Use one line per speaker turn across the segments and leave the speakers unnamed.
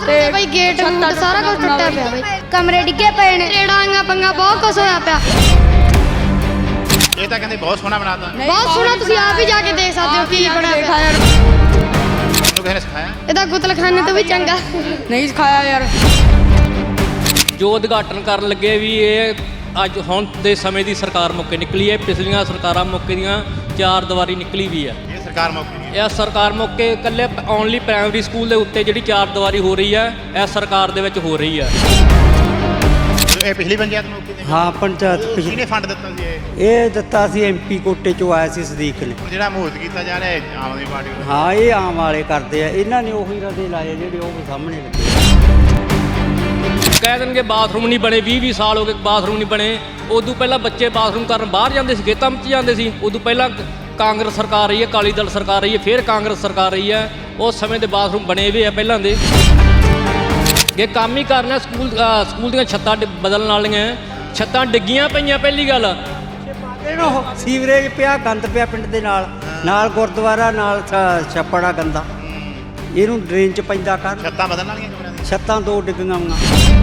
ਤੇ ਬਈ ਗੇਟ ਸਾਰਾ ਕੁਝ ਟੁੱਟਿਆ ਪਿਆ ਬਈ, ਕਮਰੇ ਡਿੱਗੇ ਪਏ ਨੇ, ਰੇੜਾਂਗਾ ਪੰਗਾ ਬਹੁਤ ਕੁਝ ਹੋਇਆ ਪਿਆ।
ਇਹ ਤਾਂ ਕਹਿੰਦੇ ਬਹੁਤ ਸੋਹਣਾ ਬਣਾਤਾ,
ਬਹੁਤ ਸੋਹਣਾ, ਤੁਸੀਂ ਆਪ ਹੀ ਜਾ ਕੇ ਦੇਖ ਸਕਦੇ ਹੋ ਕੀ ਬਣਿਆ ਪਿਆ।
ਤੁਹਾਨੂੰ ਕਿਸੇ ਨੇ ਸਿਖਾਇਆ?
ਇਹਦਾ ਗੁਤਲਖਾਨੇ ਤੋਂ ਵੀ ਚੰਗਾ
ਨਹੀਂ ਸਿਖਾਇਆ ਯਾਰ।
ਜੋ ਉਦਘਾਟਨ ਕਰਨ ਲੱਗੇ ਵੀ ਇਹ ਅੱਜ ਹੁਣ ਦੇ ਸਮੇਂ ਦੀ ਸਰਕਾਰ ਮੌਕੇ ਨਿਕਲੀ ਹੈ। ਪਿਛਲੀਆਂ ਸਰਕਾਰਾਂ ਮੌਕੇ ਦੀਆਂ ਚਾਰ ਦੀਵਾਰੀ ਨਿਕਲੀ ਵੀ ਹੈ।
ਇਹ ਸਰਕਾਰ ਮੌਕੇ ਦੀ
ਇਹ ਸਰਕਾਰ ਮੌਕੇ ਇਕੱਲੇ ਓਨਲੀ ਪ੍ਰਾਇਮਰੀ ਸਕੂਲ ਦੇ ਉੱਤੇ ਜਿਹੜੀ ਚਾਰ ਦੀਵਾਰੀ ਹੋ ਰਹੀ ਹੈ ਇਹ ਸਰਕਾਰ ਦੇ ਵਿੱਚ ਹੋ ਰਹੀ ਹੈ।
ਇਹ ਪਿਛਲੀ ਪੰਚਾਇਤ ਮੌਕੇ ਦੀ?
ਹਾਂ ਪੰਚਾਇਤ
ਕਿਹਨੇ ਫੰਡ ਦਿੱਤਾ ਸੀ
ਇਹ ਦਿੱਤਾ ਸੀ ਐਮਪੀ ਕੋਟੇ ਚੋਂ ਆਇਆ ਸੀ ਸਦੀਕ ਨੇ।
ਜਿਹੜਾ ਮਹੂਰਤ ਕੀਤਾ ਜਾ ਰਿਹਾ ਹੈ ਆਮ ਆਦਮੀ ਪਾਰਟੀ ਵੱਲੋਂ?
ਹਾਂ ਇਹ ਆਮ ਵਾਲੇ ਕਰਦੇ ਆ, ਇਹਨਾਂ ਨੇ ਉਹੀ ਰਦੇ ਲਾਏ ਜਿਹੜੇ ਉਹ ਸਾਹਮਣੇ ਲੱਗੇ।
ਕਹਿ ਦੇਣਗੇ ਬਾਥਰੂਮ ਨਹੀਂ ਬਣੇ, 20 ਸਾਲ ਹੋ ਗਏ ਬਾਥਰੂਮ ਨਹੀਂ ਬਣੇ। ਉਦੋਂ ਪਹਿਲਾਂ ਬੱਚੇ ਬਾਥਰੂਮ ਕਰਨ ਬਾਹਰ ਜਾਂਦੇ ਸੀ, ਖੇਤਾਂ ਵਿੱਚ ਜਾਂਦੇ ਸੀ। ਉਦੋਂ ਪਹਿਲਾਂ ਕਾਂਗਰਸ ਸਰਕਾਰ ਰਹੀ ਹੈ, ਅਕਾਲੀ ਦਲ ਸਰਕਾਰ ਰਹੀ ਹੈ, ਫਿਰ ਕਾਂਗਰਸ ਸਰਕਾਰ ਰਹੀ ਹੈ। ਉਸ ਸਮੇਂ ਦੇ ਬਾਥਰੂਮ ਬਣੇ ਹੋਏ ਆ ਪਹਿਲਾਂ ਦੇ। ਜੇ ਕੰਮ ਹੀ ਕਰਨਾ ਸਕੂਲ ਦੀਆਂ ਛੱਤਾਂ ਬਦਲਣ ਵਾਲੀਆਂ, ਛੱਤਾਂ ਡਿੱਗੀਆਂ ਪਈਆਂ ਪਹਿਲੀ ਗੱਲ।
ਸੀਵਰੇਜ ਪਿਆ, ਗੰਦ ਪਿਆ ਪਿੰਡ ਦੇ ਨਾਲ ਗੁਰਦੁਆਰਾ ਨਾਲ ਛੱਪੜਾ ਗੰਦਾ, ਇਹਨੂੰ ਡਰੇਨ ਚ ਪੈਂਦਾ ਕਰ।
ਛੱਤਾਂ ਬਦਲਣ ਵਾਲੀਆਂ ਕਮਰਿਆਂ ਦੀਆਂ?
ਛੱਤਾਂ ਦੋ ਡਿੱਗੀਆਂ ਵਾਂ।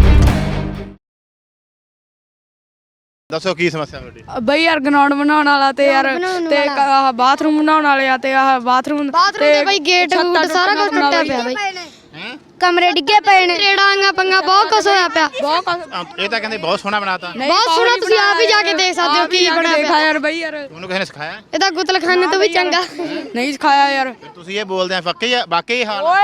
ਦੱਸੋ ਕੀ ਸਮੱਸਿਆ ਤੁਹਾਡੀ?
ਬਈ ਯਾਰ ਗਰਾਊਂਡ ਬਣਾਉਣ ਵਾਲਾ ਤੇ ਯਾਰ ਤੇ ਆਹ ਬਾਥਰੂਮ ਬਣਾਉਣ ਵਾਲੇ ਆ ਤੇ ਆਹ ਬਾਥਰੂਮ
ਤੇ ਬਈ ਗੇਟ ਸਾਰਾ ਕੁਝ ਟੁੱਟਿਆ ਪਿਆ ਬਈ,
ਹੈ
ਕਮਰੇ ਡਿੱਗੇ ਪਏ ਨੇ, ਰੇੜਾਂਗਾ ਪੰਗਾ ਬਹੁਤ ਕੁਝ ਹੋਇਆ ਪਿਆ।
ਇਹ ਤਾਂ ਕਹਿੰਦੇ ਬਹੁਤ ਸੋਹਣਾ ਬਣਾਤਾ,
ਬਹੁਤ ਸੋਹਣਾ, ਤੁਸੀਂ ਆਪ ਹੀ ਜਾ ਕੇ ਦੇਖ ਸਕਦੇ ਹੋ ਕੀ ਬਣਿਆ ਪਿਆ।
ਯਾਰ ਬਈ ਯਾਰ
ਤੁਹਾਨੂੰ ਕਿਸੇ ਨੇ ਸਿਖਾਇਆ?
ਇਹਦਾ ਗੁਤਲਖਾਨੇ ਤੋਂ ਵੀ ਚੰਗਾ
ਨਹੀਂ ਸਿਖਾਇਆ ਯਾਰ।
ਫਿਰ ਤੁਸੀਂ ਇਹ ਬੋਲਦੇ ਆ ਵਾਕਈ ਇਹ ਹਾਲ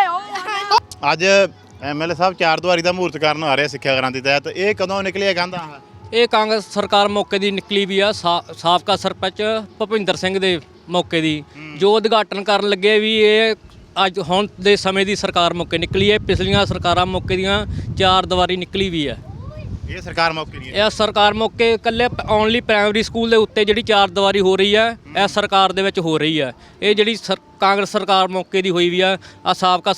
ਅੱਜ ਐਮਐਲਏ ਸਾਹਿਬ ਚਾਰ ਦੀਵਾਰੀ ਦਾ ਮਹੂਰਤ ਕਰਨ ਆ ਰਹੇ ਸਿੱਖਿਆ ਕ੍ਰਾਂਤੀ ਤਹਿਤ। ਇਹ ਕਦੋਂ ਨਿਕਲਿਆ ਕਹਿੰਦਾ?
ਇਹ ਕਾਂਗਰਸ ਸਰਕਾਰ ਮੌਕੇ ਦੀ ਨਿਕਲੀ ਵੀ ਆ। ਸਾਬਕਾ ਸਰਪੰਚ ਭੁਪਿੰਦਰ ਸਿੰਘ ਦੇ ਮੌਕੇ ਦੀ ਜੋ ਉਦਘਾਟਨ ਕਰਨ ਲੱਗੇ ਵੀ ਇਹ ਅੱਜ ਹੁਣ ਦੇ ਸਮੇਂ ਦੀ ਸਰਕਾਰ ਮੌਕੇ ਨਿਕਲੀ ਹੈ। ਪਿਛਲੀਆਂ ਸਰਕਾਰਾਂ ਮੌਕੇ ਦੀਆਂ ਚਾਰ ਦੀਵਾਰੀ ਨਿਕਲੀ ਵੀ ਹੈ।
ਇਹ ਸਰਕਾਰ ਮੌਕੇ ਦੀ?
ਇਹ ਸਰਕਾਰ ਮੌਕੇ ਇਕੱਲੇ ਓਨਲੀ ਪ੍ਰਾਇਮਰੀ ਸਕੂਲ ਦੇ ਉੱਤੇ ਜਿਹੜੀ ਚਾਰ ਦੀਵਾਰੀ ਹੋ ਰਹੀ ਹੈ ਇਹ ਸਰਕਾਰ ਦੇ ਵਿੱਚ ਹੋ ਰਹੀ ਹੈ। ਇਹ ਜਿਹੜੀ ਕਾਂਗਰਸ ਸਰਕਾਰ ਮੌਕੇ ਦੀ ਹੋਈ ਵੀ ਆ ਸਾਬਕਾ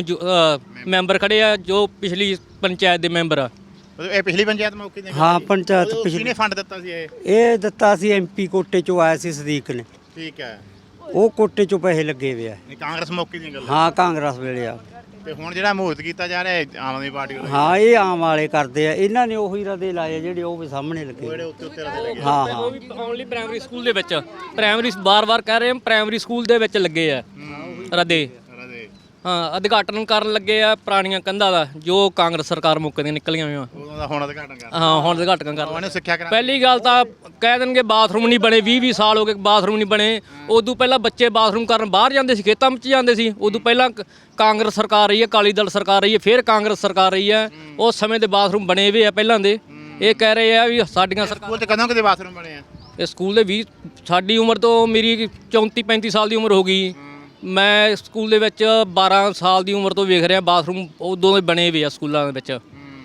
ਮੈਂਬਰ ਖੜੇ ਆ ਜੋ ਪਿਛਲੀ ਪੰਚਾਇਤ ਦੇ ਮੈਂਬਰ ਆ।
ਇਹ ਪਿਛਲੀ ਪੰਚਾਇਤ ਮੌਕੇ ਦੀ?
ਹਾਂ ਪੰਚਾਇਤ
ਕਿਹਨੇ ਫੰਡ ਦਿੱਤਾ ਸੀ
ਇਹ ਦਿੱਤਾ ਸੀ ਐਮਪੀ ਕੋਟੇ ਚੋਂ ਆਇਆ ਸੀ ਸਦੀਕ ਨੇ।
ਠੀਕ ਹੈ,
ਉਹ ਕੋਟੇ ਚੋਂ ਪੈਸੇ ਲੱਗੇ ਵੇ ਆ।
ਇਹ ਕਾਂਗਰਸ ਮੌਕੇ ਦੀਆਂ ਗੱਲਾਂ?
ਹਾਂ ਕਾਂਗਰਸ ਵੇਲੇ ਆ।
ਤੇ ਹੁਣ ਜਿਹੜਾ ਮਹੂਰਤ ਕੀਤਾ ਜਾ ਰਿਹਾ ਹੈ ਆਮ ਆਦਮੀ ਪਾਰਟੀ ਵੱਲੋਂ?
ਹਾਂ ਇਹ ਆਮ ਵਾਲੇ ਕਰਦੇ ਆ, ਇਹਨਾਂ ਨੇ ਉਹੀ ਰਦੇ ਲਾਏ ਜਿਹੜੇ ਉਹ ਵੀ ਸਾਹਮਣੇ ਲੱਗੇ।
ਜਿਹੜੇ ਉੱਤੇ ਲੱਗੇ?
ਹਾਂ
ਉਹ ਵੀ ਓਨਲੀ ਪ੍ਰਾਇਮਰੀ ਸਕੂਲ ਦੇ ਵਿੱਚ, ਪ੍ਰਾਇਮਰੀ ਬਾਰ-ਬਾਰ ਕਹਿ ਰਹੇ ਹਾਂ ਪ੍ਰਾਇਮਰੀ ਸਕੂਲ ਦੇ ਵਿੱਚ ਲੱਗੇ ਆ ਰਦੇ। ਹਾਂ ਉਦਘਾਟਨ ਕਰਨ ਲੱਗੇ ਆ ਪੁਰਾਣੀਆਂ ਕੰਧਾਂ ਦਾ ਜੋ ਕਾਂਗਰਸ ਸਰਕਾਰ ਮੌਕੇ ਦੀਆਂ ਨਿਕਲੀਆਂ ਹੋਈਆਂ।
ਉਦੋਂ ਦਾ ਹੁਣ ਉਦਘਾਟਨ ਕਰ?
ਹਾਂ ਹੁਣ ਉਦਘਾਟਨ ਕਰ
ਉਹਨੇ ਸਿੱਖਿਆ ਕਰਾ।
ਪਹਿਲੀ ਗੱਲ ਤਾਂ ਕਹਿ ਦੇਣਗੇ ਬਾਥਰੂਮ ਨਹੀਂ ਬਣੇ, 20 ਸਾਲ ਹੋ ਗਏ ਬਾਥਰੂਮ ਨਹੀਂ ਬਣੇ। ਉਦੋਂ ਪਹਿਲਾਂ ਬੱਚੇ ਬਾਥਰੂਮ ਕਰਨ ਬਾਹਰ ਜਾਂਦੇ ਸੀ, ਖੇਤਾਂ ਵਿੱਚ ਜਾਂਦੇ ਸੀ। ਉਦੋਂ ਪਹਿਲਾਂ ਕਾਂਗਰਸ ਸਰਕਾਰ ਰਹੀ ਹੈ, ਅਕਾਲੀ ਦਲ ਸਰਕਾਰ ਰਹੀ ਹੈ, ਫਿਰ ਕਾਂਗਰਸ ਸਰਕਾਰ ਰਹੀ ਹੈ। ਉਸ ਸਮੇਂ ਦੇ ਬਾਥਰੂਮ ਬਣੇ ਹੋਏ ਆ ਪਹਿਲਾਂ ਦੇ। ਇਹ ਕਹਿ ਰਹੇ ਆ ਵੀ ਸਾਡੀਆਂ
ਸਕੂਲ 'ਚ ਕਦੋਂ ਕਿਤੇ ਬਾਥਰੂਮ ਬਣੇ ਆ?
ਇਹ ਸਕੂਲ ਦੇ ਸਾਡੀ ਉਮਰ ਤੋਂ ਮੇਰੀ 34-35 ਸਾਲ ਦੀ ਉਮਰ ਹੋ ਗਈ। ਮੈਂ ਸਕੂਲ ਦੇ ਵਿੱਚ 12 ਸਾਲ ਦੀ ਉਮਰ ਤੋਂ ਵੇਖ ਰਿਹਾ ਬਾਥਰੂਮ ਉਦੋਂ ਦੇ ਬਣੇ ਹੋਏ ਆ ਸਕੂਲਾਂ ਦੇ ਵਿੱਚ।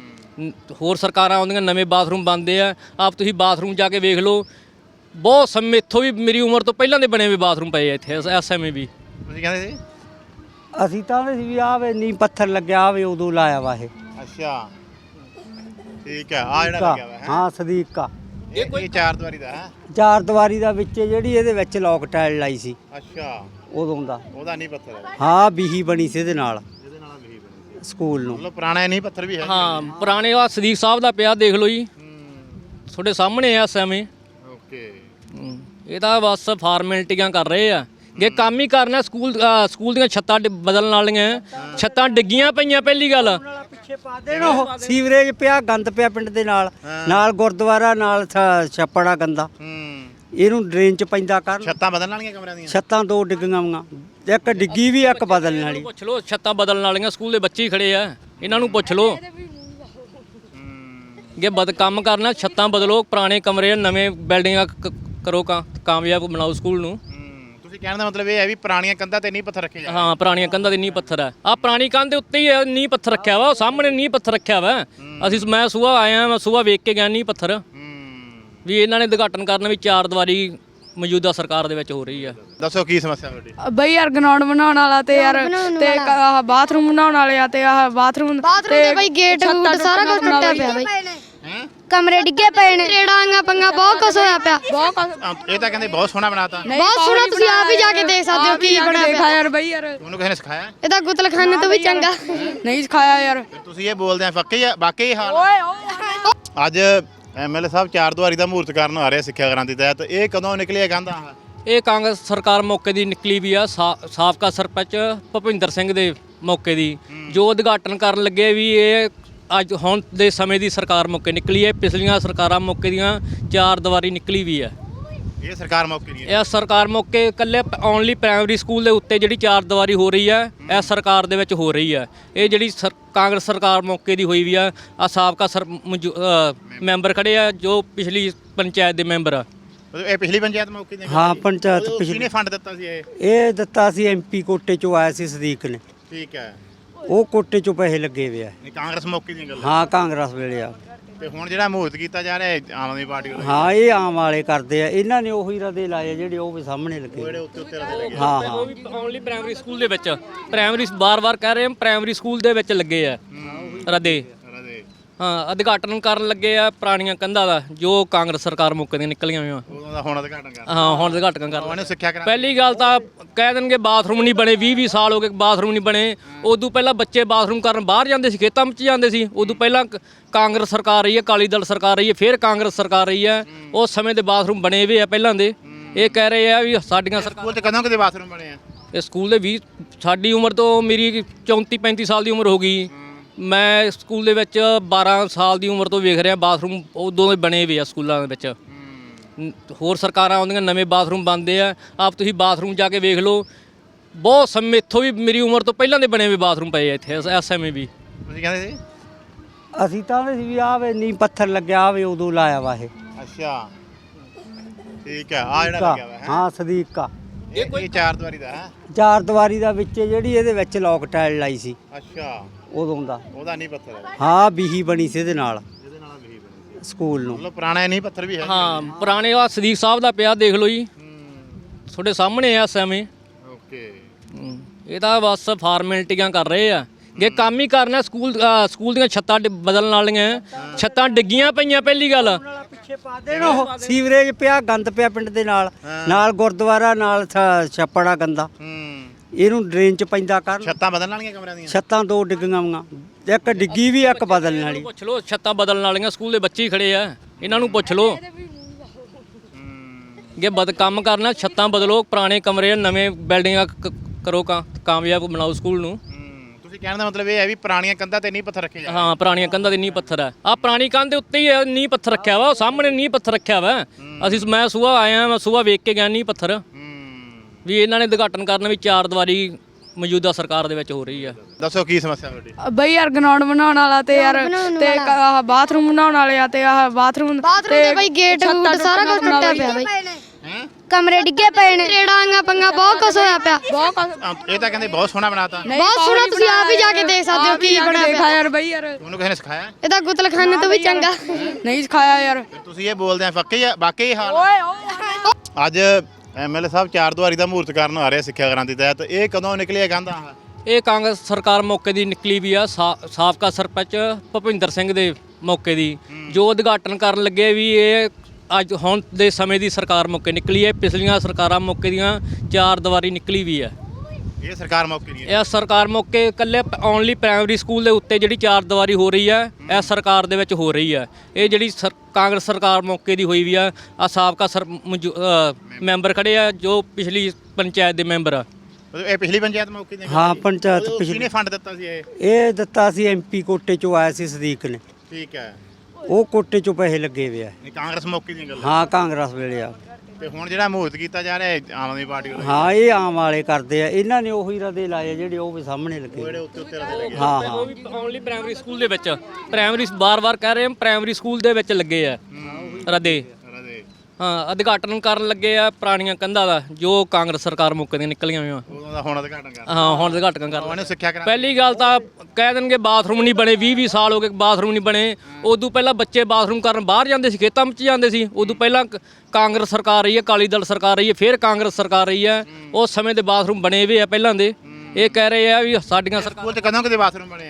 ਹੋਰ ਸਰਕਾਰਾਂ ਆਉਂਦੀਆਂ ਨਵੇਂ ਬਾਥਰੂਮ ਬਣਦੇ ਆ। ਆਪ ਤੁਸੀਂ ਬਾਥਰੂਮ ਜਾ ਕੇ ਵੇਖ ਲਓ, ਬਹੁਤ ਸਮੇਂ ਇੱਥੋਂ ਵੀ ਮੇਰੀ ਉਮਰ ਤੋਂ ਪਹਿਲਾਂ ਦੇ ਬਣੇ ਹੋਏ ਬਾਥਰੂਮ ਪਏ ਆ ਇੱਥੇ ਇਸ ਸਮੇਂ ਵੀ।
ਤੁਸੀਂ ਕਹਿੰਦੇ ਸੀ?
ਅਸੀਂ ਤਾਂ ਸੀ ਵੀ ਆਵੇ ਨੀ ਪੱਥਰ ਲੱਗਿਆ ਆਵੇ ਉਦੋਂ ਲਾਇਆ ਵਾ ਇਹ।
ਅੱਛਾ ਠੀਕ ਹੈ, ਆ ਜਿਹੜਾ ਲੱਗਿਆ ਵਾ ਹੈ?
ਹਾਂ ਸਦੀਕ ਆ।
ਇਹ ਚਾਰ ਦੀਵਾਰੀ ਦਾ ਹੈ?
ਚਾਰ ਦੀਵਾਰੀ ਦਾ ਵਿੱਚ ਜਿਹੜੀ ਇਹਦੇ ਵਿੱਚ ਲੋਕ ਟਾਇਲ ਲਾਈ ਸੀ
ਅੱਛਾ
ਉਦੋਂ ਦਾ।
ਉਹਦਾ ਨਹੀਂ ਪੱਥਰ ਹੈ?
ਹਾਂ ਬੀਹੀ ਬਣੀ ਸੀ ਇਹਦੇ ਨਾਲ
ਜਿਹਦੇ ਨਾਲ ਵੀ ਬਣੀ
ਸਕੂਲ ਨੂੰ।
ਮਤਲਬ ਪੁਰਾਣਾ ਨਹੀਂ ਪੱਥਰ ਵੀ ਹੈ?
ਹਾਂ ਪੁਰਾਣੇ ਆ ਸਦੀਕ ਸਾਹਿਬ ਦਾ ਪਿਆ ਦੇਖ ਲਓ ਜੀ, ਤੁਹਾਡੇ ਸਾਹਮਣੇ ਆ ਇਸ ਸਮੇਂ।
ਓਕੇ,
ਇਹ ਤਾਂ ਬਸ ਫਾਰਮੈਲਿਟੀਆਂ ਕਰ ਰਹੇ ਆ। ਜੇ ਕੰਮ ਹੀ ਕਰਨਾ ਸਕੂਲ ਦੀਆਂ ਛੱਤਾਂ ਬਦਲਣ ਵਾਲੀਆਂ, ਛੱਤਾਂ ਡਿੱਗੀਆਂ ਪਈਆਂ ਪਹਿਲੀ ਗੱਲ।
ਪਿੱਛੇ ਪਾ ਦੇਣ ਉਹ ਸੀਵਰੇਜ ਪਿਆ, ਗੰਦ ਪਿਆ ਪਿੰਡ ਦੇ ਨਾਲ ਗੁਰਦੁਆਰਾ ਨਾਲ ਛੱਪੜਾ ਗੰਦਾ, ਇਹਨੂੰ ਡਰੇਨ ਚ ਪੈਂਦਾ ਕਰ।
ਛੱਤਾਂ ਬਦਲਣ ਵਾਲੀਆਂ ਕਮਰਿਆਂ ਦੀਆਂ?
ਛੱਤਾਂ ਦੋ ਡਿੱਗੀਆਂ ਵਾਂ, ਇੱਕ ਡਿੱਗੀ ਵੀ ਇੱਕ ਬਦਲਣ ਵਾਲੀ।
ਪੁੱਛ ਲਓ, ਛੱਤਾਂ ਬਦਲਣ ਵਾਲੀਆਂ ਸਕੂਲ ਦੇ ਬੱਚੇ ਹੀ ਖੜੇ ਆ, ਇਹਨਾਂ ਨੂੰ ਪੁੱਛ ਲਓ। ਜੇ ਕੰਮ ਕਰਨਾ ਛੱਤਾਂ ਬਦਲੋ, ਪੁਰਾਣੇ ਕਮਰੇ ਨਵੇਂ ਬਿਲਡਿੰਗਾਂ ਕਰੋ, ਕਾਮਯਾਬ ਬਣਾਓ ਸਕੂਲ ਨੂੰ।
ਤੁਸੀਂ ਕਹਿਣ ਦਾ ਮਤਲਬ ਇਹ ਹੈ ਵੀ ਪੁਰਾਣੀਆਂ ਕੰਧਾਂ ਤੇ ਨਹੀਂ ਪੱਥਰ ਰੱਖੇ ਜਾਂਦੇ?
ਹਾਂ ਪੁਰਾਣੀਆਂ ਕੰਧਾਂ ਦੇ ਨੀਂਹ ਪੱਥਰ ਆ। ਆਹ ਪੁਰਾਣੀ ਕੰਧ ਦੇ ਉੱਤੇ ਹੀ ਨੀਂਹ ਪੱਥਰ ਰੱਖਿਆ ਵਾ, ਉਹ ਸਾਹਮਣੇ ਨੀਂਹ ਪੱਥਰ ਰੱਖਿਆ ਵਾ। ਮੈਂ ਸੁਬਾਹ ਆਇਆ, ਮੈਂ ਸੁਬਾਹ ਵੇਖ ਕੇ ਗਿਆ ਨੀਂਹ ਪੱਥਰ ਵੀ ਇਹਨਾਂ ਨੇ ਉਦਘਾਟਨ ਕਰਨਾ ਵੀ ਚਾਰ ਦੀਵਾਰੀ ਮੌਜੂਦਾ ਸਰਕਾਰ ਦੇ ਵਿੱਚ ਹੋ ਰਹੀ ਆ।
ਦੱਸੋ ਕੀ ਸਮੱਸਿਆ ਤੁਹਾਡੀ?
ਬਈ ਯਾਰ ਗਰਾਊਂਡ ਬਣਾਉਣ ਵਾਲਾ ਤੇ ਯਾਰ ਤੇ ਆਹ ਬਾਥਰੂਮ ਬਣਾਉਣ ਵਾਲੇ ਆ ਤੇ ਆਹ ਬਾਥਰੂਮ
ਤੇ ਬਈ ਗੇਟ ਸਾਰਾ ਕੁਝ ਟੁੱਟਿਆ ਪਿਆ ਬਈ, ਕਮਰੇ ਡਿੱਗੇ ਪਏ ਨੇ ਰੇੜਾਂਗਾ ਪੰਗਾ ਬਹੁਤ ਕੁਛ ਹੋਇਆ ਪਿਆ
ਇਹ ਤਾਂ ਕਹਿੰਦੇ ਬਹੁਤ ਸੋਹਣਾ ਬਣਾਤਾ
ਬਹੁਤ ਸੋਹਣਾ ਤੁਸੀਂ ਆਪ ਹੀ ਜਾ ਕੇ ਦੇਖ ਸਕਦੇ ਹੋ ਕੀ ਬਣਿਆ
ਦੇਖਾ
ਪਿਆ
ਯਾਰ ਬਈ ਯਾਰ
ਤੁਹਾਨੂੰ ਕਿਸੇ ਨੇ ਸਿਖਾਇਆ
ਇਹ ਤਾਂ ਗੁਤਲਖਾਨੇ ਤੋਂ ਵੀ ਚੰਗਾ
ਨਹੀਂ ਸਿਖਾਇਆ ਯਾਰ
ਫਿਰ ਤੁਸੀਂ ਇਹ ਬੋਲਦੇ ਆ ਵਾਕਈ ਇਹ ਹਾਲ ਆ। ਅੱਜ ਐਮਐਲਏ ਸਾਹਿਬ ਚਾਰ ਦੁਆਰੀ ਦਾ ਮਹੂਰਤ ਕਰਨ ਆ ਰਹੇ ਸਿੱਖਿਆ ਕ੍ਰਾਂਤੀ ਤਹਿਤ ਇਹ ਕਦੋਂ ਨਿਕਲਿਆ ਕਹਿੰਦਾ
ਇਹ ਕਾਂਗਰਸ ਸਰਕਾਰ ਮੌਕੇ ਦੀ ਨਿਕਲੀ ਵੀ ਆ ਸਾਬਕਾ ਸਰਪੰਚ ਭੁਪਿੰਦਰ ਸਿੰਘ ਦੇ ਮੌਕੇ ਦੀ ਜੋ ਉਦਘਾਟਨ ਕਰਨ ਲੱਗੇ ਵੀ ਇਹ ਅੱਜ ਹੁਣ ਦੇ ਸਮੇਂ ਦੀ ਸਰਕਾਰ ਮੌਕੇ ਨਿਕਲੀ ਹੈ। ਪਿਛਲੀਆਂ ਸਰਕਾਰਾਂ ਮੌਕੇ ਦੀਆਂ ਚਾਰ ਦੀਵਾਰੀ ਨਿਕਲੀ ਵੀ ਹੈ।
ਇਹ ਸਰਕਾਰ ਮੌਕੇ ਦੀ
ਇਹ ਸਰਕਾਰ ਮੌਕੇ ਇਕੱਲੇ ਓਨਲੀ ਪ੍ਰਾਇਮਰੀ ਸਕੂਲ ਦੇ ਉੱਤੇ ਜਿਹੜੀ ਚਾਰ ਦੀਵਾਰੀ ਹੋ ਰਹੀ ਹੈ ਇਹ ਸਰਕਾਰ ਦੇ ਵਿੱਚ ਹੋ ਰਹੀ ਹੈ। ਇਹ ਜਿਹੜੀ ਕਾਂਗਰਸ ਸਰਕਾਰ ਮੌਕੇ ਦੀ ਹੋਈ ਵੀ ਆ ਸਾਬਕਾ ਮੈਂਬਰ ਖੜੇ ਆ ਜੋ ਪਿਛਲੀ ਪੰਚਾਇਤ ਦੇ ਮੈਂਬਰ ਆ।
ਇਹ ਪਿਛਲੀ ਪੰਚਾਇਤ ਮੌਕੇ ਦੀ
ਹਾਂ ਪੰਚਾਇਤ
ਕਿਹਨੇ
ਪਿਛਲੀ
ਫੰਡ ਦਿੱਤਾ ਸੀ ਇਹ
ਇਹ ਦਿੱਤਾ ਸੀ ਐਮਪੀ ਕੋਟੇ ਚੋਂ ਆਇਆ ਸੀ ਸਦੀਕ ਨੇ
ਠੀਕ ਹੈ
ਉਹ ਕੋਟੇ ਚੋਂ ਪੈਸੇ ਲੱਗੇ ਵੇ ਆ
ਇਹ ਕਾਂਗਰਸ ਮੌਕੇ ਦੀ ਗੱਲ
ਹਾਂ ਕਾਂਗਰਸ ਵੇਲੇ ਆ
ਤੇ ਹੁਣ ਜਿਹੜਾ ਮਹੂਰਤ ਕੀਤਾ ਜਾ ਰਿਹਾ ਆਮ ਆਦਮੀ ਪਾਰਟੀ ਵੱਲੋਂ
ਹਾਂ ਇਹ ਆਮ ਵਾਲੇ ਕਰਦੇ ਆ ਇਹਨਾਂ ਨੇ ਉਹੀ ਰਦੇ ਲਾਏ ਜਿਹੜੇ ਉਹ ਵੀ ਸਾਹਮਣੇ ਲੱਗੇ
ਜਿਹੜੇ ਉੱਤੇ ਲੱਗੇ
ਹਾਂ ਹਾਂ
ਉਹ ਵੀ ਓਨਲੀ ਪ੍ਰਾਇਮਰੀ ਸਕੂਲ ਦੇ ਵਿੱਚ ਪ੍ਰਾਇਮਰੀ ਬਾਰ-ਬਾਰ ਕਹਿ ਰਹੇ ਹਾਂ ਪ੍ਰਾਇਮਰੀ ਸਕੂਲ ਦੇ ਵਿੱਚ ਲੱਗੇ ਆ ਰਦੇ ਹਾਂ ਉਦਘਾਟਨ ਕਰਨ ਲੱਗੇ ਆ ਪੁਰਾਣੀਆਂ ਕੰਧਾਂ ਦਾ ਜੋ ਕਾਂਗਰਸ ਸਰਕਾਰ ਮੌਕੇ ਦੀਆਂ ਨਿਕਲੀਆਂ ਹੋਈਆਂ
ਉਦੋਂ ਦਾ ਹੁਣ ਉਦਘਾਟਨ ਕਰ
ਹਾਂ ਹੁਣ ਉਦਘਾਟਨ ਕਰ
ਉਹਨੇ ਸਿੱਖਿਆ ਕਰਾ
ਪਹਿਲੀ ਗੱਲ ਤਾਂ ਕਹਿ ਦੇਣਗੇ ਬਾਥਰੂਮ ਨਹੀਂ ਬਣੇ 20 ਸਾਲ ਹੋ ਗਏ ਬਾਥਰੂਮ ਨਹੀਂ ਬਣੇ ਉਦੋਂ ਪਹਿਲਾਂ ਬੱਚੇ ਬਾਥਰੂਮ ਕਰਨ ਬਾਹਰ ਜਾਂਦੇ ਸੀ ਖੇਤਾਂ ਵਿੱਚ ਜਾਂਦੇ ਸੀ ਉਦੋਂ ਪਹਿਲਾਂ ਕਾਂਗਰਸ ਸਰਕਾਰ ਰਹੀ ਹੈ ਅਕਾਲੀ ਦਲ ਸਰਕਾਰ ਰਹੀ ਹੈ ਫਿਰ ਕਾਂਗਰਸ ਸਰਕਾਰ ਰਹੀ ਹੈ ਉਸ ਸਮੇਂ ਦੇ ਬਾਥਰੂਮ ਬਣੇ ਹੋਏ ਆ ਪਹਿਲਾਂ ਦੇ ਇਹ ਕਹਿ ਰਹੇ ਆ ਵੀ ਸਾਡੀਆਂ ਸਰਕਾਰ
ਸਕੂਲ ਤੇ ਕਦੋਂ ਕਿਤੇ ਬਾਥਰੂਮ ਬਣੇ ਆ
ਇਹ ਸਕੂਲ ਦੇ 20 ਸਾਡੀ ਉਮਰ ਤੋਂ ਮੇਰੀ 34 35 ਸਾਲ ਦੀ ਉਮਰ ਹੋ ਗਈ ਮੈਂ ਸਕੂਲ ਦੇ ਵਿੱਚ 12 ਸਾਲ ਦੀ ਉਮਰ ਤੋਂ ਵੇਖ ਰਿਹਾ ਬਾਥਰੂਮ ਉਦੋਂ ਦੇ ਬਣੇ ਹੋਏ ਆ ਸਕੂਲਾਂ ਦੇ ਵਿੱਚ ਹੋਰ ਸਰਕਾਰਾਂ ਆਉਂਦੀਆਂ ਨਵੇਂ ਬਾਥਰੂਮ ਬਣਦੇ ਆ ਆਪ ਤੁਸੀਂ ਬਾਥਰੂਮ ਜਾ ਕੇ ਵੇਖ ਲਓ ਬਹੁਤ ਸਮੇਂ ਇੱਥੋਂ ਵੀ ਮੇਰੀ ਉਮਰ ਤੋਂ ਪਹਿਲਾਂ ਦੇ ਬਣੇ ਹੋਏ ਬਾਥਰੂਮ ਪਏ ਆ ਇੱਥੇ ਇਸ ਸਮੇਂ ਵੀ
ਤੁਸੀਂ ਕਹਿੰਦੇ ਸੀ
ਅਸੀਂ ਤਾਂ ਸੀ ਵੀ ਆਵੇ ਨੀ ਪੱਥਰ ਲੱਗਿਆ ਆਵੇ ਉਦੋਂ ਲਾਇਆ ਵਾ ਇਹ
ਅੱਛਾ ਠੀਕ ਹੈ ਆ ਜਿਹੜਾ ਲੱਗਿਆ ਵਾ
ਹਾਂ ਸਦੀਕ ਕਾ
ਇਹ ਚਾਰ ਦੁਆਰੀ ਦਾ ਹੈ
ਚਾਰ ਦੀਵਾਰੀ ਦਾ ਵਿੱਚ ਜਿਹੜੀ ਇਹਦੇ ਵਿੱਚ ਲੋਕ ਟਾਇਲ ਲਾਈ ਸੀ
ਅੱਛਾ
ਉਦੋਂ ਦਾ
ਉਹਦਾ ਨਹੀਂ ਪੱਥਰ ਹੈ
ਹਾਂ ਬੀਹੀ ਬਣੀ ਸੀ ਇਹਦੇ ਨਾਲ
ਜਿਹਦੇ ਨਾਲ ਵੀ ਬਣੀ
ਸਕੂਲ ਨੂੰ
ਮਤਲਬ ਪੁਰਾਣਾ ਨਹੀਂ ਪੱਥਰ ਵੀ ਹੈ
ਹਾਂ ਪੁਰਾਣੇ ਆ ਸਦੀਕ ਸਾਹਿਬ ਦਾ ਪਿਆ ਦੇਖ ਲਓ ਜੀ ਤੁਹਾਡੇ ਸਾਹਮਣੇ ਆ ਇਸ ਸਮੇਂ
ਓਕੇ
ਇਹ ਤਾਂ ਬਸ ਫਾਰਮੈਲਿਟੀਆਂ ਕਰ ਰਹੇ ਆ ਜੇ ਕੰਮ ਹੀ ਕਰਨਾ ਸਕੂਲ ਦੀਆਂ ਛੱਤਾਂ ਬਦਲਣ ਵਾਲੀਆਂ ਛੱਤਾਂ ਡਿੱਗੀਆਂ ਪਈਆਂ ਪਹਿਲੀ ਗੱਲ
ਪਿੱਛੇ ਪਾ ਦੇਣ ਉਹ ਸੀਵਰੇਜ ਪਿਆ ਗੰਦ ਪਿਆ ਪਿੰਡ ਦੇ ਨਾਲ ਗੁਰਦੁਆਰਾ ਨਾਲ ਛੱਪੜਾ ਗੰਦਾ ਇਹਨੂੰ ਡਰੇਨ ਚ ਪੈਂਦਾ ਕਰਨ
ਛੱਤਾਂ ਬਦਲਣ ਵਾਲੀਆਂ ਕਮਰਿਆਂ ਦੀਆਂ
ਛੱਤਾਂ ਦੋ ਡਿੱਗੀਆਂ ਵਾਂ ਇੱਕ ਡਿੱਗੀ ਵੀ ਇੱਕ ਬਦਲਣ ਵਾਲੀ
ਪੁੱਛ ਲਓ ਛੱਤਾਂ ਬਦਲਣ ਵਾਲੀਆਂ ਸਕੂਲ ਦੇ ਬੱਚੇ ਹੀ ਖੜੇ ਆ ਇਹਨਾਂ ਨੂੰ ਪੁੱਛ ਲਓ ਜੇ ਕੰਮ ਕਰਨਾ ਛੱਤਾਂ ਬਦਲੋ ਪੁਰਾਣੇ ਕਮਰੇ ਨਵੇਂ ਬਿਲਡਿੰਗਾਂ ਕਰੋ ਕਾਮਯਾਬ ਬਣਾਓ ਸਕੂਲ ਨੂੰ
ਤੁਸੀਂ ਕਹਿਣ ਦਾ ਮਤਲਬ ਇਹ ਹੈ ਵੀ ਪੁਰਾਣੀਆਂ ਕੰਧਾਂ ਤੇ ਨਹੀਂ ਪੱਥਰ ਰੱਖੇ ਜਾਂਦੇ
ਹਾਂ ਪੁਰਾਣੀਆਂ ਕੰਧਾਂ ਦੇ ਨੀਂਹ ਪੱਥਰ ਆ ਆਹ ਪੁਰਾਣੀ ਕੰਧ ਦੇ ਉੱਤੇ ਹੀ ਨੀਂਹ ਪੱਥਰ ਰੱਖਿਆ ਵਾ ਉਹ ਸਾਹਮਣੇ ਨੀਂਹ ਪੱਥਰ ਰੱਖਿਆ ਵਾ ਮੈਂ ਸੁਬਾਹ ਆਇਆ ਮੈਂ ਸੁਬਾਹ ਵੇਖ ਕੇ ਗਿਆ ਨੀਂਹ ਪੱਥਰ ਵੀ ਇਹਨਾਂ ਨੇ ਉਦਘਾਟਨ ਕਰਨ ਵੀ ਚਾਰ ਦੀਵਾਰੀ ਮੌਜੂਦਾ ਸਰਕਾਰ ਦੇ ਵਿੱਚ ਹੋ ਰਹੀ ਆ
ਦੱਸੋ ਕੀ ਸਮੱਸਿਆ ਤੁਹਾਡੀ
ਬਈ ਯਾਰ ਗਰਾਊਂਡ ਬਣਾਉਣ ਵਾਲਾ ਤੇ ਯਾਰ ਤੇ ਆਹ ਬਾਥਰੂਮ ਬਣਾਉਣ ਵਾਲੇ ਆ ਤੇ ਆਹ ਬਾਥਰੂਮ
ਦੇ ਬਈ ਗੇਟ ਗੂਟ ਸਾਰਾ ਕੁਝ ਟੁੱਟਿਆ ਪਿਆ ਬਈ
ਹੈ
ਕਮਰੇ ਡਿੱਗੇ ਪਏ ਨੇ ਰੇੜਾਂਗਾ ਪੰਗਾ ਬਹੁਤ ਕੁਛ ਹੋਇਆ ਪਿਆ
ਇਹ ਤਾਂ ਕਹਿੰਦੇ ਬਹੁਤ ਸੋਹਣਾ ਬਣਾਤਾ
ਬਹੁਤ ਸੋਹਣਾ ਤੁਸੀਂ ਆਪ ਹੀ ਜਾ ਕੇ ਦੇਖ ਸਕਦੇ ਹੋ ਕੀ ਬਣਿਆ
ਦੇਖਾ
ਪਿਆ
ਯਾਰ ਬਈ ਯਾਰ
ਤੁਹਾਨੂੰ ਕਿਸੇ ਨੇ ਸਿਖਾਇਆ
ਇਹ ਤਾਂ ਗੁਤਲਖਾਨੇ ਤੋਂ ਵੀ ਚੰਗਾ
ਨਹੀਂ ਸਿਖਾਇਆ ਯਾਰ
ਫਿਰ ਤੁਸੀਂ ਇਹ ਬੋਲਦੇ ਆ ਵਾਕਈ ਇਹ ਹਾਲ ਆ। ਅੱਜ ਐਮਐਲਏ ਸਾਹਿਬ ਚਾਰ ਦੁਆਰੀ ਦਾ ਮਹੂਰਤ ਕਰਨ ਆ ਰਹੇ ਸਿੱਖਿਆ ਕ੍ਰਾਂਤੀ ਤਹਿਤ ਇਹ ਕਦੋਂ ਨਿਕਲਿਆ ਕਹਿੰਦਾ
ਇਹ ਕਾਂਗਰਸ ਸਰਕਾਰ ਮੌਕੇ ਦੀ ਨਿਕਲੀ ਵੀ ਆ ਸਾਬਕਾ ਸਰਪੰਚ ਭੁਪਿੰਦਰ ਸਿੰਘ ਦੇ ਮੌਕੇ ਦੀ ਜੋ ਉਦਘਾਟਨ ਕਰਨ ਲੱਗੇ ਵੀ ਇਹ ਅੱਜ ਹੁਣ ਦੇ ਸਮੇਂ ਦੀ ਸਰਕਾਰ ਮੌਕੇ ਨਿਕਲੀ ਹੈ ਪਿਛਲੀਆਂ ਸਰਕਾਰਾਂ ਮੌਕੇ ਦੀਆਂ ਚਾਰ ਦੀਵਾਰੀ ਨਿਕਲੀ ਵੀ ਹੈ
ਇਹ ਸਰਕਾਰ ਮੌਕੇ ਦੀ ਹੈ
ਇਹ ਸਰਕਾਰ ਮੌਕੇ ਇਕੱਲੇ ਓਨਲੀ ਪ੍ਰਾਇਮਰੀ ਸਕੂਲ ਦੇ ਉੱਤੇ ਜਿਹੜੀ ਚਾਰ ਦੀਵਾਰੀ ਹੋ ਰਹੀ ਹੈ ਇਹ ਸਰਕਾਰ ਦੇ ਵਿੱਚ ਹੋ ਰਹੀ ਹੈ ਇਹ ਜਿਹੜੀ ਕਾਂਗਰਸ ਸਰਕਾਰ ਮੌਕੇ ਦੀ ਹੋਈ ਵੀ ਆ ਸਾਬਕਾ ਮੈਂਬਰ ਖੜੇ ਆ ਜੋ ਪਿਛਲੀ ਪੰਚਾਇਤ ਦੇ ਮੈਂਬਰ ਆ
ਇਹ ਪਿਛਲੀ ਪੰਚਾਇਤ ਮੌਕੇ ਦੀ
ਹਾਂ ਪੰਚਾਇਤ ਪਿਛਲੀ
ਕਿਹਨੇ ਫੰਡ ਦਿੱਤਾ ਸੀ
ਇਹ ਦਿੱਤਾ ਸੀ ਐਮਪੀ ਕੋਟੇ ਚੋਂ ਆਇਆ ਸੀ ਸਦੀਕ ਨੇ
ਠੀਕ ਹੈ
ਉਹ ਕੋਟੇ ਚੋਂ ਪੈਸੇ ਲੱਗੇ ਵੇ ਆ
ਇਹ ਕਾਂਗਰਸ ਮੌਕੇ ਦੀ ਗੱਲ
ਹਾਂ ਕਾਂਗਰਸ ਵੇਲੇ ਆ
ਤੇ ਹੁਣ ਜਿਹੜਾ ਮਹੂਰਤ ਕੀਤਾ ਜਾ ਰਿਹਾ ਆਮ ਆਦਮੀ ਪਾਰਟੀ ਵੱਲੋਂ
ਹਾਂ ਇਹ ਆਮ ਵਾਲੇ ਕਰਦੇ ਆ ਇਹਨਾਂ ਨੇ ਉਹੀ ਰਦੇ ਲਾਏ ਜਿਹੜੇ ਉਹ ਵੀ ਸਾਹਮਣੇ ਲੱਗੇ
ਜਿਹੜੇ ਉੱਤੇ ਲੱਗੇ
ਹਾਂ ਹਾਂ
ਉਹ ਵੀ ਓਨਲੀ ਪ੍ਰਾਇਮਰੀ ਸਕੂਲ ਦੇ ਵਿੱਚ ਪ੍ਰਾਇਮਰੀ ਬਾਰ-ਬਾਰ ਕਹਿ ਰਹੇ ਹਾਂ ਪ੍ਰਾਇਮਰੀ ਸਕੂਲ ਦੇ ਵਿੱਚ ਲੱਗੇ ਆ ਰਦੇ ਹਾਂ ਉਦਘਾਟਨ ਕਰਨ ਲੱਗੇ ਆ ਪੁਰਾਣੀਆਂ ਕੰਧਾਂ ਦਾ ਜੋ ਕਾਂਗਰਸ ਸਰਕਾਰ ਮੌਕੇ ਦੀਆਂ ਨਿਕਲੀਆਂ ਹੋਈਆਂ
ਉਦੋਂ ਦਾ ਹੁਣ ਉਦਘਾਟਨ ਕਰ
ਹਾਂ ਹੁਣ ਉਦਘਾਟਨ ਕਰ
ਉਹਨੇ ਸਿੱਖਿਆ ਕਰਾ
ਪਹਿਲੀ ਗੱਲ ਤਾਂ ਕਹਿ ਦੇਣਗੇ ਬਾਥਰੂਮ ਨਹੀਂ ਬਣੇ 20 ਸਾਲ ਹੋ ਗਏ ਬਾਥਰੂਮ ਨਹੀਂ ਬਣੇ ਉਦੋਂ ਪਹਿਲਾਂ ਬੱਚੇ ਬਾਥਰੂਮ ਕਰਨ ਬਾਹਰ ਜਾਂਦੇ ਸੀ ਖੇਤਾਂ ਵਿੱਚ ਜਾਂਦੇ ਸੀ ਉਦੋਂ ਪਹਿਲਾਂ ਕਾਂਗਰਸ ਸਰਕਾਰ ਰਹੀ ਹੈ ਅਕਾਲੀ ਦਲ ਸਰਕਾਰ ਰਹੀ ਹੈ ਫਿਰ ਕਾਂਗਰਸ ਸਰਕਾਰ ਰਹੀ ਹੈ ਉਸ ਸਮੇਂ ਦੇ ਬਾਥਰੂਮ ਬਣੇ ਹੋਏ ਆ ਪਹਿਲਾਂ ਦੇ ਇਹ ਕਹਿ ਰਹੇ ਆ ਵੀ ਸਾਡੀਆਂ ਸਰਕਾਰ
ਸਕੂਲ ਤੇ ਕਦੋਂ ਕਿਤੇ ਬਾਥਰੂਮ ਬਣੇ ਆ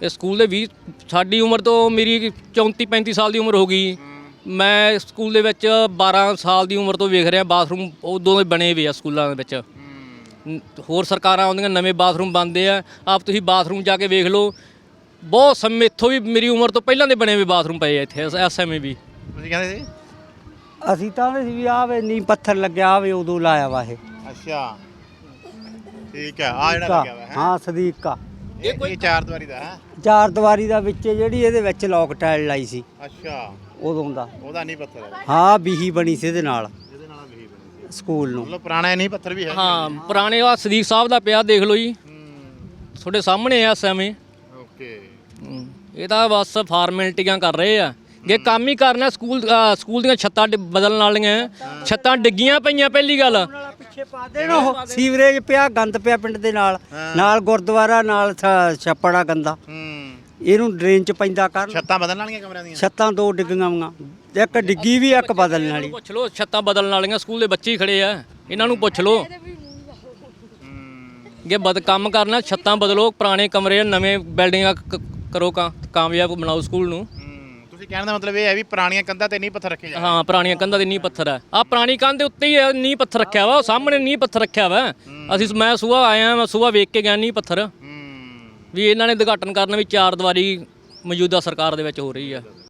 ਇਹ ਸਕੂਲ ਦੇ 20 ਸਾਡੀ ਉਮਰ ਤੋਂ ਮੇਰੀ 34 35 ਸਾਲ ਦੀ ਉਮਰ ਹੋ ਗਈ। ਮੈਂ ਸਕੂਲ ਦੇ ਵਿੱਚ 12 ਸਾਲ ਦੀ ਉਮਰ ਤੋਂ ਵੇਖ ਰਿਹਾ ਬਾਥਰੂਮ ਉਦੋਂ ਦੇ ਬਣੇ ਹੋਏ ਆ ਸਕੂਲਾਂ ਦੇ ਵਿੱਚ। ਹੋਰ ਸਰਕਾਰਾਂ ਆਉਂਦੀਆਂ ਨਵੇਂ ਬਾਥਰੂਮ ਬਣਦੇ ਆ। ਆਪ ਤੁਸੀਂ ਬਾਥਰੂਮ ਜਾ ਕੇ ਵੇਖ ਲਓ, ਬਹੁਤ ਸਮੇਂ ਇੱਥੋਂ ਵੀ ਮੇਰੀ ਉਮਰ ਤੋਂ ਪਹਿਲਾਂ ਦੇ ਬਣੇ ਹੋਏ ਬਾਥਰੂਮ ਪਏ ਆ ਇੱਥੇ ਐਸਐਮਏ ਵੀ।
ਤੁਸੀਂ ਕਹਿੰਦੇ ਸੀ
ਅਸੀਂ ਤਾਂ ਵੀ ਵੀ ਆਵੇ ਨੀ ਪੱਥਰ ਲੱਗਿਆ ਆਵੇ ਉਦੋਂ ਲਾਇਆ ਵਾ ਇਹ।
ਅੱਛਾ ਠੀਕ ਹੈ, ਆ ਜਿਹੜਾ ਲੱਗਿਆ ਵਾ ਹੈ
ਹਾਂ ਸਦੀਕਾ
ਇਹ 4 ਦੀਵਾਰੀ ਦਾ ਹੈ।
4 ਦੀਵਾਰੀ ਦਾ ਵਿੱਚ ਜਿਹੜੀ ਇਹਦੇ ਵਿੱਚ ਲੋਕ ਟਾਇਲ ਲਾਈ ਸੀ
ਅੱਛਾ
ਉਦੋਂ ਦਾ।
ਉਹਦਾ ਨਹੀਂ ਪੱਥਰ ਹੈ,
ਹਾਂ ਬੀਹੀ ਬਣੀ ਸੀ ਇਹਦੇ ਨਾਲ
ਇਹਦੇ ਨਾਲ ਵੀ ਬਣੀ ਸੀ
ਸਕੂਲ ਨੂੰ।
ਮਤਲਬ ਪੁਰਾਣਾ ਨਹੀਂ ਪੱਥਰ ਵੀ ਹੈ।
ਹਾਂ ਪੁਰਾਣੇ ਆ ਸਦੀਕ ਸਾਹਿਬ ਦਾ ਪਿਆ ਦੇਖ ਲਓ ਜੀ, ਤੁਹਾਡੇ ਸਾਹਮਣੇ ਆ ਐਸਐਮਏ।
ਓਕੇ
ਇਹ ਤਾਂ ਬਸ ਫਾਰਮੈਲਿਟੀਆਂ ਕਰ ਰਹੇ ਆ। ਜੇ ਕੰਮ ਹੀ ਕਰਨਾ ਸਕੂਲ ਦੀਆਂ ਛੱਤਾਂ ਬਦਲਣ ਵਾਲੀਆਂ, ਛੱਤਾਂ ਡਿੱਗੀਆਂ ਪਈਆਂ ਪਹਿਲੀ ਗੱਲ।
ਪਿੱਛੇ ਪਾ ਦੇਣ ਉਹ ਸੀਵਰੇਜ ਪਿਆ, ਗੰਦ ਪਿਆ ਪਿੰਡ ਦੇ ਨਾਲ ਗੁਰਦੁਆਰਾ ਨਾਲ ਛੱਪੜਾ ਗੰਦਾ। ਇਹਨੂੰ ਡਰੇਨ ਚ ਪੈਂਦਾ ਕਰਨ।
ਛੱਤਾਂ ਬਦਲਣ ਵਾਲੀਆਂ ਕਮਰਿਆਂ ਦੀਆਂ?
ਛੱਤਾਂ 2 ਡਿੱਗੀਆਂ ਵਾਂ, ਇੱਕ ਡਿੱਗੀ ਵੀ ਇੱਕ ਬਦਲਣ ਵਾਲੀ।
ਪੁੱਛ ਲਓ, ਛੱਤਾਂ ਬਦਲਣ ਵਾਲੀਆਂ ਸਕੂਲ ਦੇ ਬੱਚੇ ਹੀ ਖੜੇ ਆ, ਇਹਨਾਂ ਨੂੰ ਪੁੱਛ ਲਓ। ਜੇ ਕੰਮ ਕਰਨਾ ਛੱਤਾਂ ਬਦਲੋ, ਪੁਰਾਣੇ ਕਮਰੇ ਨਵੇਂ ਬਿਲਡਿੰਗਾਂ ਕਰੋ, ਕਾਮਯਾਬ ਬਣਾਓ ਸਕੂਲ ਨੂੰ।
ਤੁਸੀਂ ਕਹਿਣ ਦਾ ਮਤਲਬ ਇਹ ਹੈ ਵੀ ਪੁਰਾਣੀਆਂ ਕੰਧਾਂ ਤੇ ਨਹੀਂ ਪੱਥਰ ਰੱਖੇ ਜਾਂਦੇ?
ਹਾਂ ਪੁਰਾਣੀਆਂ ਕੰਧਾਂ ਦੇ ਨੀਂਹ ਪੱਥਰ ਆ। ਆਹ ਪੁਰਾਣੀ ਕੰਧ ਦੇ ਉੱਤੇ ਹੀ ਨੀਂਹ ਪੱਥਰ ਰੱਖਿਆ ਵਾ, ਉਹ ਸਾਹਮਣੇ ਨੀਂਹ ਪੱਥਰ ਰੱਖਿਆ ਵਾ। ਮੈਂ ਸੁਬਾਹ ਆਇਆ, ਮੈਂ ਸੁਬਾਹ ਵੇਖ ਕੇ ਗਿਆ ਨੀਂਹ ਪੱਥਰ ਵੀ ਇਹਨਾਂ ਨੇ ਉਦਘਾਟਨ ਕਰਨਾ ਵੀ 4 ਦੀਵਾਰੀ ਮੌਜੂਦਾ ਸਰਕਾਰ ਦੇ ਵਿੱਚ ਹੋ ਰਹੀ ਆ।